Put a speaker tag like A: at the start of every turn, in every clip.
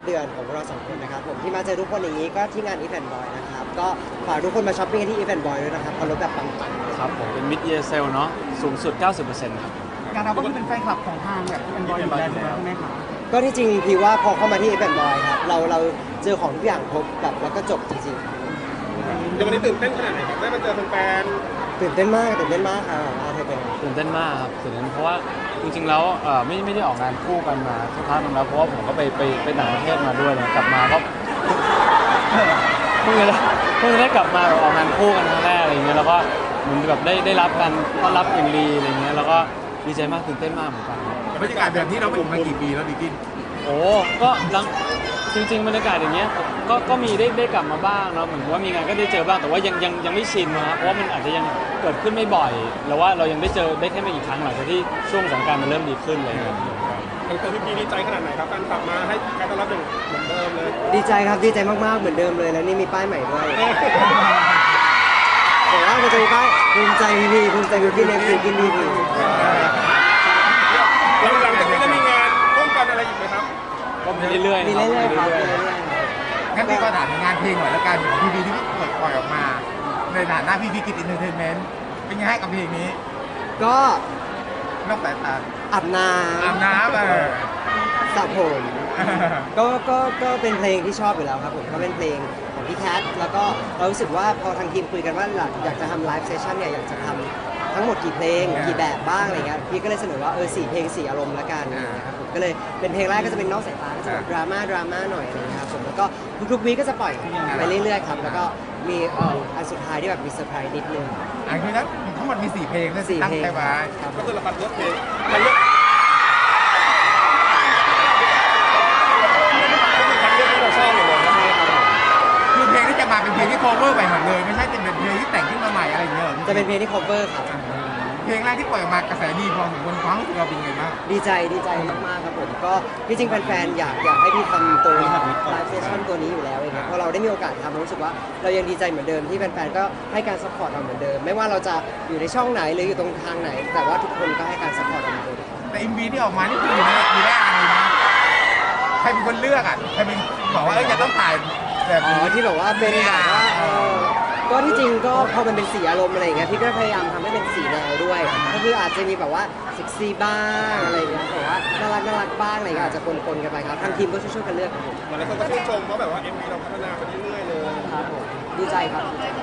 A: เดือนของเรา2 คนนะครับผมที่มาเจอทุกคนอย่างนี้ก็ที่งาน Event Boy นะครับก็ฝากทุกคนมาช้อปปิ้งกันที่ Event Boy ด้วยนะครับเขาลดแบบปังๆ
B: ครับผมเป็น mid year sale เนาะสูงสุด 90%ครับ
C: การเราก็คือเป็นแฟนคลับของทางแบบเป็นบอยอยู่แล้วใช่ไหมคะ
A: ก็ที่จริงพี่ว่าพอเข้ามาที่ Event Boy ครับเราเจอของทุกอย่างครบแบบแล้วก็จบจริงๆ
D: เดี๋ยววันนี้ตื่นเต้นขนาดไหนครับได้มาเจอแฟน
A: ตื่นเต้นมากครับเธอเป็น
B: ตื่นเต้นมากครับตื่นเต้นเพราะว่าจริงๆแล้วไม่ได้ออกงานคู่กันมาสักพักนึงแล้วเพราะว่าผมก็ไปต่างประเทศมาด้วยเลยกลับมาก็เพิ่งจะได้กลับมาแบบออกงานคู่กันครั้งแรกอะไรเงี้ยแล้วก็เหมือนแบบได้รับกันต้อนรับอย่างดีอะไรเงี้ยแล้วก็ดีใจมากตื่นเต้นมากเหมือนกัน
D: บรรยากาศแบบนี้เราไม่อยู่มากี่ปีแล้วดิกิน
B: โอ้ก็จริงๆบรรยากาศอย่างเงี้ยก็มีได้กลับมาบ้างเนาะเหมือนว่ามีงานก็ได้เจอบ้างแต่ว่ายังไม่ชินนะครับเพราะว่ามันอาจจะยังเกิดขึ้นไม่บ่อยแล้วว่าเรายังได้เจอได้แค่ไม่กี่ครั้งหลังจากที่ช่วงสงกรานต์มันเริ่มดีขึ้นอะไรเงี้ย
D: ตัวพี่ดีใจขนาดไหนครับการกลับมาให้การต้อนรับอย่างเหมือนเดิมเลย
A: ดีใจครับดีใจมากๆเหมือนเดิมเลยแล้วนี่มีป้ายใหม่ด้วยบอกว่ามันจะมีป้ายภูมิใจพี่ภูมิใจพี่ในฟิลกินพี่
D: หลังจากนี้จะมีงานร่วมกันอะไรอีกไหมครับ
B: ก็มีเรื่อยๆ
A: มีเรื่อยๆครับ
C: งั้นพี่ก็ถามงานเพลงหน่อยแล้วกันของพี่ที่เปิดปล่อยออกมาในฐานะพี่กิจอินเตอร์เทนเมนต์เป็นไงให้กับเพลงนี้
A: ก็
C: นอกสายตา
A: อาบน้
C: ำ
A: สระผมก็เป็นเพลงที่ชอบอยู่แล้วครับผมก็เป็นเพลงของพี่แคทแล้วก็เรารู้สึกว่าพอทางทีมคุยกันว่าอยากจะทำไลฟ์เซสชั่นเนี่ยอยากจะทำทั้งหมดกี่เพลงกี่แบบบ้างอะไรเงี้ยพี่ก็เลยเสนอว่า4 เพลง 4 อารมณ์ละกันนะครับผมก็เลยเป็นเพลงแรกก็จะเป็นนอกสายตาก็จะแบบดราม่าหน่อยอะไรเงี้ยครับผมแล้วก็ทุกวีก็จะปล่อยไปเรื่อยๆครับแล้วก็มีอันสุดท้ายที่แบบมีเซอร์ไพรส์นิดนึง
C: คือทั้งหมดมี4 เพลงตั้งใจไว้
D: ก็คือเราปัดเลือกเพลงปัดเลือกที่เราชอบเลย
A: ใช่ครับ
C: คือเพลงที่จะมาเป็นเพลงที่ cover ใหม่หมดเลยไม่ใช่เป็นเพลงที่แต่งขึ้นมาใหม่อะไรอย่างเงี้ย
A: จะเป็นเพลงที่ cover ครับ
C: เพลงแรกที่ปล่อยออกมากระแสดีพอสมควรความรู้สึกเราเป็นไงบ้าง
A: ดีใจมากๆครับผมก็ที่จริงแฟนๆอยากให้พี่ทำตัวไลฟ์เซสชั่นตัวนี้อยู่แล้วเองเพราะเราได้มีโอกาสทำรู้สึกว่าเรายังดีใจเหมือนเดิมที่แฟนๆก็ให้การซัพพอร์ตเราเหมือนเดิมไม่ว่าเราจะอยู่ในช่องไหนหรืออยู่ตรงทางไหนแต่ว่าทุกคนก็ให้การซัพพอร์ตเราเหมือนเดิม
C: แต่ MV ที่ออกมานี่คืออยู่ได้อะไรนะใครเป็นคนเลือกอ่ะใครเป็นบอกว่าจะต้องถ่ายแบบนี้
A: ที่บอกว่าเป็นแบบว่าก็ที่จริงก็พอมันเป็นสีอารมณ์อะไรอย่างเงี้ยพี่ก็พยายามทำให้เป็นสีแนวด้วยก็คืออาจจะมีแบบว่าเซ็กซี่บ้างอะไรอย่างเงี้ยแต่ว่าน่ารักบ้างอะไรเงี้ยอาจจะปนกันไปครับทางทีมก็ช่วยกันเลือกครับผม
D: หลายคนก็ชื่นชมว่าแบบว่า MV เราพัฒนาไปเรื่อยๆเลย
A: ครับผมดีใจครับ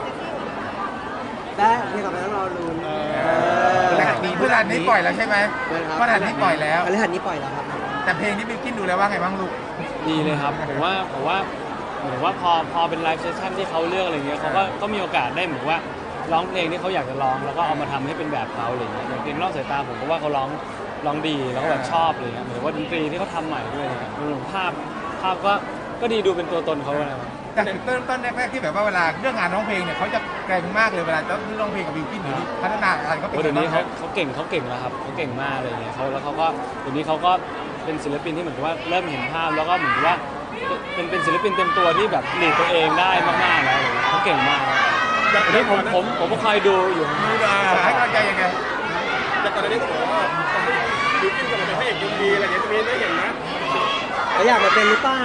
A: และเพลงต่อไปต้องรอลุ้น
C: พฤหัสนี้ปล่อยแล้วใช่ไหมพฤหัสนี้ปล่อยแล้ว
A: พฤหัสนี้ปล่อยแล้วครับ
C: แต่เพลงนี้บิวกิ้นดูแล้วว่าไงบ้างลูก
B: ดีเลยครับผมว่าเหมือนว่าพอเป็นไลฟ์เซสชั่นที่เขาเลือกอะไรเงี้ยเขาก็มีโอกาสได้เหมือนว่าร้องเพลงที่เขาอยากจะร้องแล้วก็เอามาทำให้เป็นแบบเขาอะไรเงี้ยอย่างเพลงนอกสายตาผมก็ว่าเขาร้องดีแล้วก็แบบชอบอะไรเงี้ยเหมือนว่าดนตรีที่เขาทำใหม่ด้วยดูภาพก็ดีดูเป็นตัวตนเขาเลย
C: แต่ต้นแรกที่แบบว่าเวลาเรื่องงานร้องเพลงเนี่ยเขาจะเก่งมากเลยเวลาจะร้องเพลงกับบิวกิ้นหรือพัฒนาการเขาเป็น
B: เดี๋ยวนี้เขาเก่งแล้วครับเขาเก่งมากอะไรเงี้ยเขาก็เดี๋ยวนี้เขาก็เป็นศิลปินที่เหมือนกับว่าเริ่มเห็นภาพแล้วก็เหมือนว่าเป็นศิลปินเต็มตัวที่แบบหลีดตัวเองได้มากๆแล้วเขาเก่งมากนี่ผมก็คอยดูอยู่
C: ให้กำลังใจยังไง
D: แต่ก่อนหน้านี้ก็บอกว่าบิวกิ้นจะมาเป็นพระเอกMVอะไรอย่างเงี้ยจะมีได้เห็นนะ
A: เขาอยากมาเป็นหรือเปล่า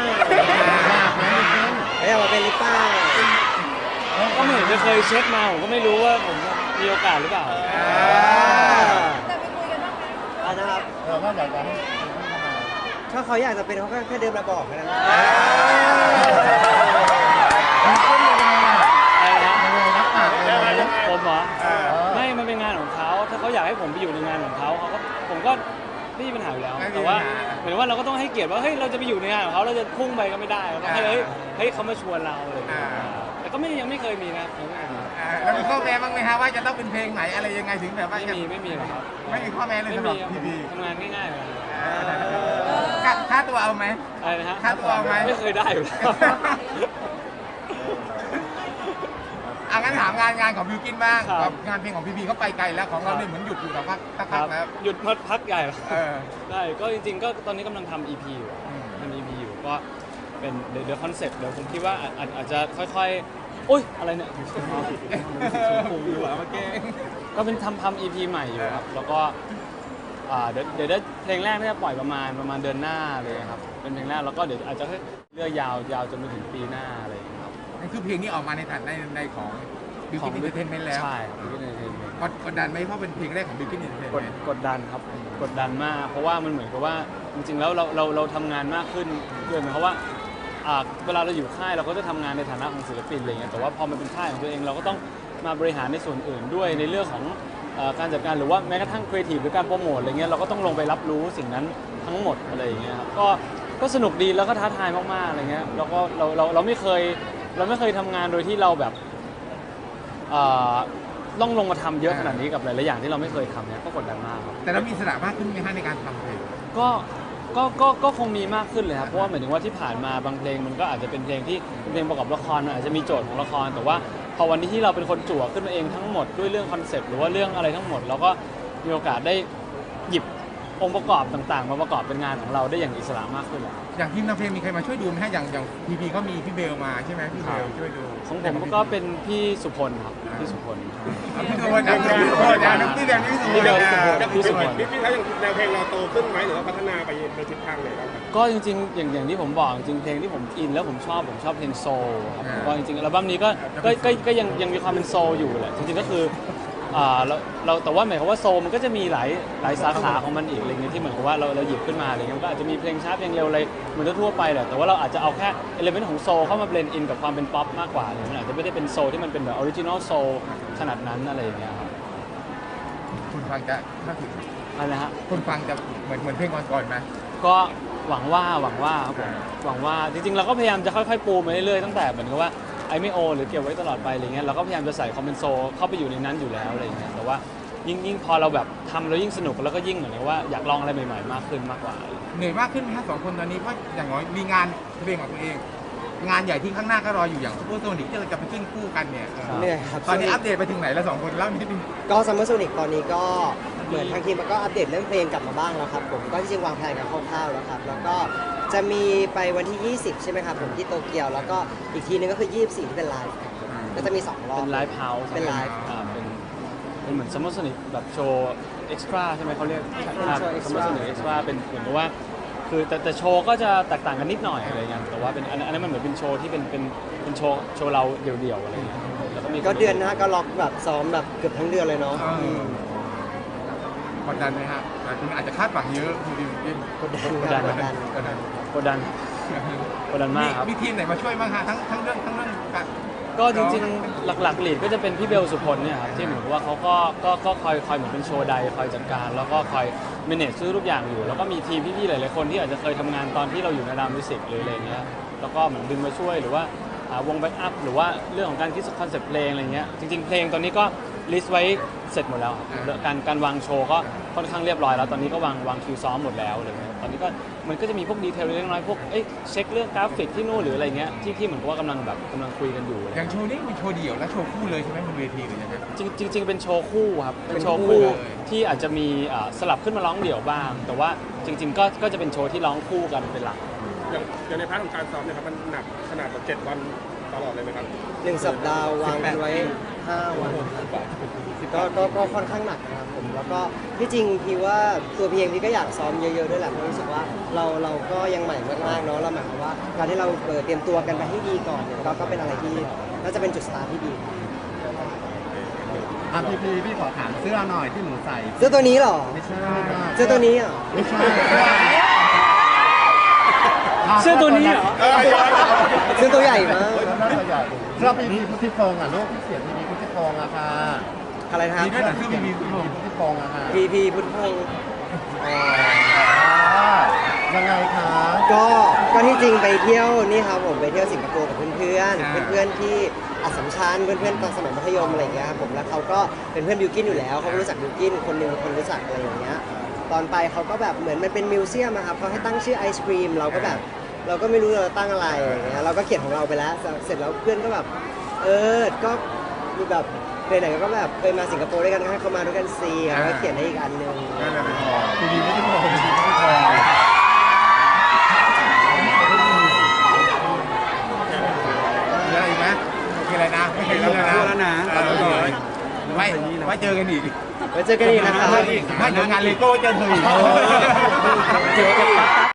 A: เขาอยากมาเป็นหรือเปล่า
B: ก็เหมือนจะเคยเช็คมาผมก็ไม่รู้ว่าผมมีโอกาสหรือเปล่า
E: แต่ไปคุยกันบ้างไหม
A: นะครับ
C: ก็อยากจะให้
A: ถ้าเขาอยากจะเป็นเขาแค่เดินมาบอกแค่นั้น
B: ผมเหรอไม่มันเป็นงานของเขาถ้าเขาอยากให้ผมไปอยู่ในงานของเขาผมก็ไม่มีปัญหาอยู่แล้วแต่ว่าเหมือนว่าเราก็ต้องให้เกียรติว่าเฮ้ยเราจะไปอยู่ในงานของเขาเราจะพุ่งไปก็ไม่ได้เราต้องให้เฮ้ยเขามาชวนเราเลยแต่ก็ยังไม่เคยมีนะ
C: แล้วมีข้อแม้บ้างไหมฮะว่าจะต้องเป็นเพลงไหนอะไรยังไงถึงแบบว่า
B: ไม่มีหรอกครับ
C: ไม่มีข้อแม้เลยสำหรับพี่
B: ทำงานง่ายๆเลย
C: ค่าตัวเอาไหม
B: อะไรนะฮะ
C: ค่าตัวเอาไหม
B: ไม่เคยได้อยู่แล้ว
C: งั้นถามงานของบิวกิ้นบ้างงานเพลงของพี่เขาไปไกลแล้วของเราเนี่ยเหมือนหยุดอยู่สักพักแล้ว
B: หยุดพักใหญ่แล้วได้ก็จริงๆก็ตอนนี้กำลังทำ EP อยู่ก็เป็นเดี๋ยวคอนเซ็ปต์เดี๋ยวผมคิดว่าอาจจะค่อยๆอุ้ยอะไรเนี่ยก็เป็นทำ EP ใหม่อยู่ครับแล้วก็เดี๋ยวได้เพลงแรกที่จะปล่อยประมาณเดือนหน้าเลยครับเป็นเพลงแรกแล้วก็เดี๋ยวอาจจะเลือกยาวจนไปถึงปีหน้าอะไรอย่างเงี้ยครับ
C: นั่นคือเพลงนี้ออกมาในฐานในของบิวกิ้นอินเตอร์เทนเมนต์แล้ว
B: ใช่ครับBill Gates Entertainment
C: กดดันไหมเพราะเป็นเพลงแรกของบิวกิ้นอินเตอร์เทนเมนต์
B: กดดันครับกดดันมากเพราะว่ามันเหมือนกับว่าจริงๆแล้วเราทำงานมากขึ้นด้วยหมายความว่าเวลาเราอยู่ค่ายเราก็จะทำงานในฐานะของศิลปินอะไรเงี้ยแต่ว่าพอมันเป็นค่ายของตัวเองเราก็ต้องมาบริหารในส่วนอื่นด้วยในเรื่องของการจัดการหรือว่าแม้กระทั่งครีเอทีฟหรือการโปรโมทอะไรเงี้ยเราก็ต้องลงไปรับรู้สิ่งนั้นทั้งหมดอะไรอย่างเงี้ยครับก็สนุกดีแล้วก็ท้าทายมากๆอะไรเงี้ยแล้วก็เราไม่เคยทำงานโดยที่เราแบบต้องลงมาทำเยอะขนาดนี้กับหลายๆอย่างที่เราไม่เคยทำเนี่ยก็กดดันมากครับ
C: แต่เรามีอิสระมากขึ้นไหมฮะในการทำเพลง
B: ก็คงมีมากขึ้นเลยครับเพราะว่าหมายถึงว่าที่ผ่านมาบางเพลงมันก็อาจจะเป็นเพลงที่เป็นเพลงประกอบละครมันอาจจะมีโจทย์ของละครแต่ว่าพอวันนี้ที่เราเป็นคนจั่วขึ้นมาเองทั้งหมดด้วยเรื่องคอนเซปต์หรือว่าเรื่องอะไรทั้งหมดเราก็มีโอกาสได้หยิบองค์ประกอบต่างๆมาประกอบเป็นงานของเราได้อย่างอิสระมากขึ้นแหละ
C: อย่างทีมทำเพลงมีใครมาช่วยดูไหมฮะอย่างพีก็มีพี่เบลมาใช่ไหมพี่เบลช่วยดู
B: ของผมก็เป็นพี่สุพลครับพี่สุพล
C: พี่โดนพี่โดนพี่เบลนี่
B: พี่เบลพี่สุพล
D: พี่เขาอย่างแนวเพลงเราโตขึ้นไหมหรือว่าพัฒนาไปในทิศทางไหนบ้างครับ
B: ก็จริงๆอย่างที่ผมบอกจริงๆเพลงที่ผมอินแล้วผมชอบเพลงโซลครับก็จริงๆอัลบั้มนี้ก็ยังมีความเป็นโซลอยู่แหละจริงๆก็คือเราแต่ว่าหมายความว่าโซลมันก็จะมีหลายสาขาของมันอีกอะไรเงี้ยที่เหมือนกับว่าเราหยิบขึ้นมาอะไรเงี้ยมันก็อาจจะมีเพลงช้าเพลงเร็วอะไรเหมือนทั่วไปแหละแต่ว่าเราอาจจะเอาแค่เอลิเมนต์ของโซลเข้ามาเบลนด์อินกับความเป็นป๊อปมากกว่าเลยมันอาจจะไม่ได้เป็นโซลที่มันเป็นแบบออริจินอลโซลขนาดนั้นอะไรอย่างเงี้ยครับ
C: คุณฟังจะถ้าถึง
B: อะไรนะฮะ
C: คุณฟังจะเหมือนเพลงก่อนๆไหม
B: ก็หวังว่าครับผมหวังว่าจริงๆเราก็พยายามจะค่อยๆปูมาเรื่อยๆตั้งแต่เหมือนกับว่าไอไม่โอหรือเก็บไว้ตลอดไปอะไรเงี้ยเราก็พยายามจะใส่คอมเมนโซเข้าไปอยู่ในนั้นอยู่แล้วอะไรเงี้ยแต่ว่ายิ่งพอเราแบบทำแล้วยิ่งสนุกแล้วก็ยิ่งเหมือนกับว่าอยากลองอะไรใหม่ๆมากขึ้นมากกว่า
C: เหนื่อยมากขึ้นไหมฮะสองคนตอนนี้เพราะอย่างน้อยมีงานเพลงของตัวเอง งานใหญ่ที่ข้างหน้าก็รออยู่อย่างซูเปอร์โซนิกที่เราจะไปขึ้นคู่กันเนี่ย
A: เหนื่อยครับ
C: ตอนนี้อัปเดตไปถึงไหนแล้วสองคนเล่านิดนึง
A: ก็ซัมเมอร์โซนิกตอนนี้ก็เหมือนทางทีมก็อัปเดตเรื่องเพลงกลับมาบ้างแล้วครับผมก็จริงๆวางแผนกันคร่าวๆแล้วครับแล้วก็จะมีไปวันที่ 20 ใช่ไหมครับผมที่โตเกียวแล้วก็อีกทีนึงก็คือ 24 ที่เป็นไลฟ์ครับก็จะมี 2 รอบ
B: เป็นไลฟ์เฮาส์
A: เป็นไลฟ์
B: เป็นเหมือนซัมเมอร์สนิทแบบโชว์เอ็กซ์ตร้าใช่ไหมเขาเรียก
A: เป็นโชว์
B: ซัมเมอร์
A: extra
B: สนิทเอ็กซ์ตร้าเป็นเหมือนกับว่าคือแต่โชว์ก็จะแตกต่างกันนิดหน่อยอะไรเงี้ยแต่ว่าเป็นอันนั้นมันเหมือนเป็นโชว์ที่เป็นโชว์เราเดี่ยวๆอะไรเงี้ยแล้วก็มี
A: ก็เดือนหน้าก็ล็อกแบบซ้อมแบบเกือบทั้งเดือนเลยเนาะ
C: กดดันไหมฮะคุณอาจจะคาดหวังเยอะคุณดิวกิน
A: กดดันครับกดดัน
B: กดดันมากครับ
C: มีทีมไหนมาช่วยบ้างฮะทั้งเรื่องการ
B: ก็จริงๆหลักๆลีดก็จะเป็นพี่เบลสุพลเนี่ยครับที่เหมือนกับว่าเขาก็คอยเหมือนเป็นโชว์ใดคอยจัดการแล้วก็คอยเมเนจซื้อทุกอย่างอยู่แล้วก็มีทีมพี่ๆหลายๆคนที่อาจจะเคยทำงานตอนที่เราอยู่ในรามมิวสิกหรืออะไรเงี้ยแล้วก็เหมือนดึงมาช่วยหรือว่าวงแบ็กอัพหรือว่าเรื่องของการคิดคอนเซ็ปต์เพลงอะไรเงี้ยจริงๆเพลงตอนนี้ก็ลิสต์ไว้เสร็จหมดแล้วครับการวางโชว์ก็ค่อนข้างเรียบร้อยแล้วตอนนี้ก็วางคิวซ้อมหมดแล้วอะไรเงี้ยตอนนี้ก็มันก็จะมีพวกดีเทลเล็กน้อยพวกเช็คเรื่องกราฟิกที่นู่นหรืออะไรเงี้ยที่เหมือนกับว่ากำลังคุยกันอยู่
C: อย่างโชว์นี้เป็นโชว์เดี่ยวและโชว์คู่เลยใช่ไหมบนเวทีหรือยังไง
B: จริงๆเป็นโชว์คู่ครับเป็นโชว์คู่ที่อาจจะมีสลับขึ้นมาร้องเดี่ยวบ้าง แต่ว่าจริงๆก็จะเป็นโชว์ที่ร้องคู่กันเป็นหลัก
D: อย่างในพาร์ทของการซ้อมเนี่ยครับมันหนักขนาดแบบ7 วันตลอดเลยไหมครับ
A: 1 สัปดาห์วางกันไว้ 5 วันก็ค่อนข้างหนักนะครับผมแล้วก็ที่จริงพี่ว่าตัวพี่เองพี่ก็อยากซ้อมเยอะๆด้วยแหละเพราะรู้สึกว่าเราก็ยังใหม่มากๆเนาะเราหมายความว่าการที่เราเตรียมตัวกันไปให้ดีก่อนเนี่ยก็เป็นอะไรที่น่าจะเป็นจุดสตาร์ทที่ดี
F: พี่ขอถามเสื้อหน่อยที่หนูใส่
A: เสื้อตัวนี้เหรอ
F: ไม่ใช่
A: เสื้อตัวนี้อ่ะ
F: ไม่ใช่
B: เสื้อตัวนี้เหรอ
A: เสื้อตัวใหญ่มาก
F: น่าจะใหญ่เสื้อพีพุทธิพงษ์อ่ะลูกที่เสียพีพุทธิพงษ์อะค่ะ
A: อะไรนะครับ
C: มีด้วยเหรอเสื้อมี
F: พุทธิพงษ์อะค่ะ
A: พีพุทธพงศ์
F: ยังไงคะ
A: ก็ที่จริงไปเที่ยวนี่ครับผมไปเที่ยวสิงคโปร์กับเพื่อนที่อัสสัมชัญเพื่อนๆตอนสมัยมัธยมอะไรอย่างเงี้ยครับผมแล้วเขาก็เป็นเพื่อนบิวกินอยู่แล้วเขาก็รู้จักบิวกินคนหนึงคนรู้จักอะไรอย่างเงี้ยตอนไปเขาก็แบบเหมือนมันเป็นมิวเซียมอะครับเขาให้ตั้งชื่อไอศครีมเราก็แบบเราก็ไม่รู้เราตั้งอะไรอย่างเงี้ยเราก็เขียนของเราไปแล้วเสร็จแล้วเพื่อนก็แบบก็มีแบบไหนๆก็แบบเคยมาสิงคโปร์ด้วยกันก็ให้เขามาด้วยกันซีแล้วก็เขียนให้อีกอันหนึง
C: นั่นแหละเป็นพอ
F: พีพุทธิพงษ์พีพุทธิพงษ์
C: มีอะไรอีกไหมโอเคเลยนะไม่เคยรู้แล้วนะไว้เจอกันอีก
A: ไว้เจอกันอีกนะครับ
C: ไม่เดี๋ยวงานเลโก้เจอเธออีก
A: เจอกัน